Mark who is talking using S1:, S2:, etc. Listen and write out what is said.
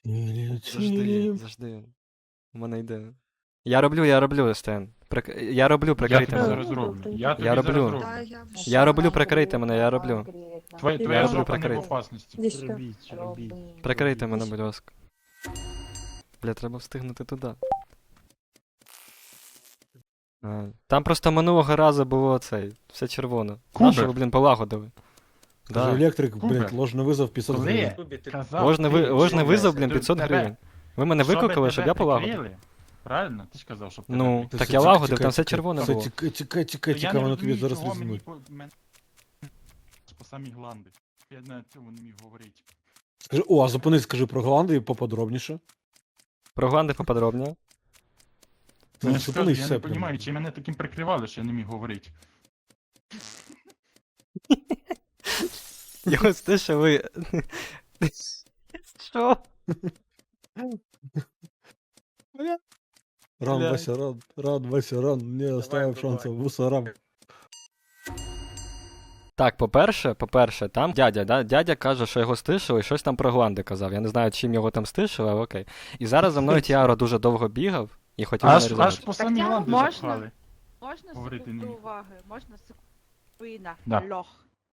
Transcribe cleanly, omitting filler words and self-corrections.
S1: Завжди. У мене йде. Я роблю, Стен. Я роблю, прикрийте
S2: тобі
S1: мене.
S2: зараз роблю. Я тобі
S1: Я
S2: зараз
S1: роблю.
S2: роблю.
S1: Я роблю, прикрийте мене, я роблю.
S2: Твоя
S1: роблю
S2: жопа не в
S1: прикрити.
S2: опасності.
S3: Робіть.
S1: Прикрийте мене, будь ласка. Бля, треба встигнути туди. Там просто минулого разу було цей, все червоно.
S2: Кубер.
S1: Нащо ви, блін, полагодили?
S4: Даже
S1: Да.
S4: електрик,
S2: Кубер.
S4: блядь, ложный вызов 500 гривен.
S2: Коли казав
S1: Ложний
S2: ти,
S1: ложний
S2: що
S1: визов,
S2: ви-
S1: блін, 500
S2: тебе-
S1: гривень. Ви мене
S2: щоби
S1: викликали, щоб
S2: тебе
S1: я полагодив?
S2: прикрили, правильно? Ти ж казав, щоб тебе
S1: Ну,
S2: прикрили.
S1: так
S4: Все,
S1: я
S4: тікай,
S1: лагодив,
S4: тікай,
S1: там все
S4: тікай.
S1: червоне
S4: Все,
S1: було.
S4: тікай,
S2: То
S4: тікай,
S2: я не
S4: воно тобі
S2: розумію,
S4: зараз
S2: чого мені
S4: візьмуть.
S2: по самі гланди. Я на цьому не міг говорити.
S4: Скажи, а зупинись, скажи про Голландію поподробніше.
S1: Про гланди поподробніше.
S2: Ну, я ж кажу,
S4: Зупинись,
S2: я
S4: все.
S2: не
S4: прям.
S2: розумію, чи мене таким прикривали, що я не міг говорити.
S1: Я ось те, що ви... Що?
S4: Ран,
S1: Бля.
S4: Вася, ран, Вася, ран, не оставив шансів мусорам.
S1: Так, по-перше, там дядя, да? Дядя каже, що його стишили, і щось там про гланди казав. Я не знаю, чим його там стишили, але окей. І зараз за мною Тіаро дуже довго бігав і хотів мене
S2: Аж
S1: різати.
S2: по самі
S5: Так,
S2: гланди
S5: можна?
S2: запхали.
S5: Можна
S2: Говорити
S5: секунду
S2: не міг.
S5: уваги? Можна секунду?
S2: Да.
S5: Лох.